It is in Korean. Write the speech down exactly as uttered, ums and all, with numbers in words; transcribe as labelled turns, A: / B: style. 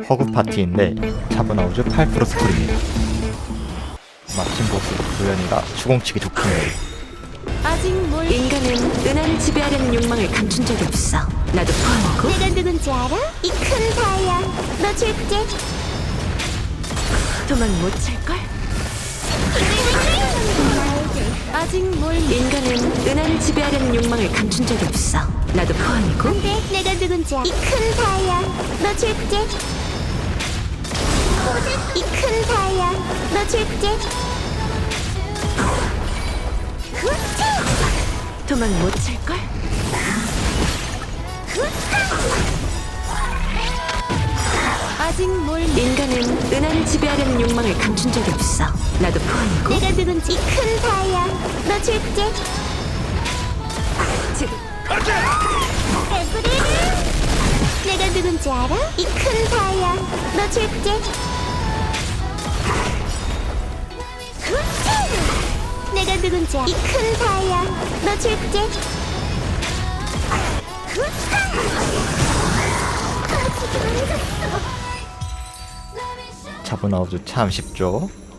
A: 허그 파티인데 자브나우즈 팔 프로 스쿨입니다. 마침 보스 도연이가 주공치기 좋군요.
B: 아직 뭘 인간은 은하를 지배하려는 욕망을 감춘 적이 없어. 나도 포함이고.
C: 내가 누군지 알아? 이 큰 사야. 너 줄게.
B: 도망 못 찰걸? 아직 뭘 인간은 은하를 지배하려는 욕망을 감춘 적이 없어. 나도 포함이고.
C: 근데 내가 누군지 알아? 이 큰 사야. 너 줄게. 이 큰 사야. 너 줄게.
B: 도망 못 찰걸? 아직 뭘 인간은 은하를 지배하려는 욕망을 감춘 적이 없어. 나도 포함이고.
C: 내가 누군지 이 큰 사야. 너 줄게.
B: 지금
C: 개구리를. 내가 누군지 알아? 이 큰 사야. 너 줄게. 내가 누군지 알아? 이 큰 사야. 너 줄게.
A: 자브나우즈 참 쉽죠?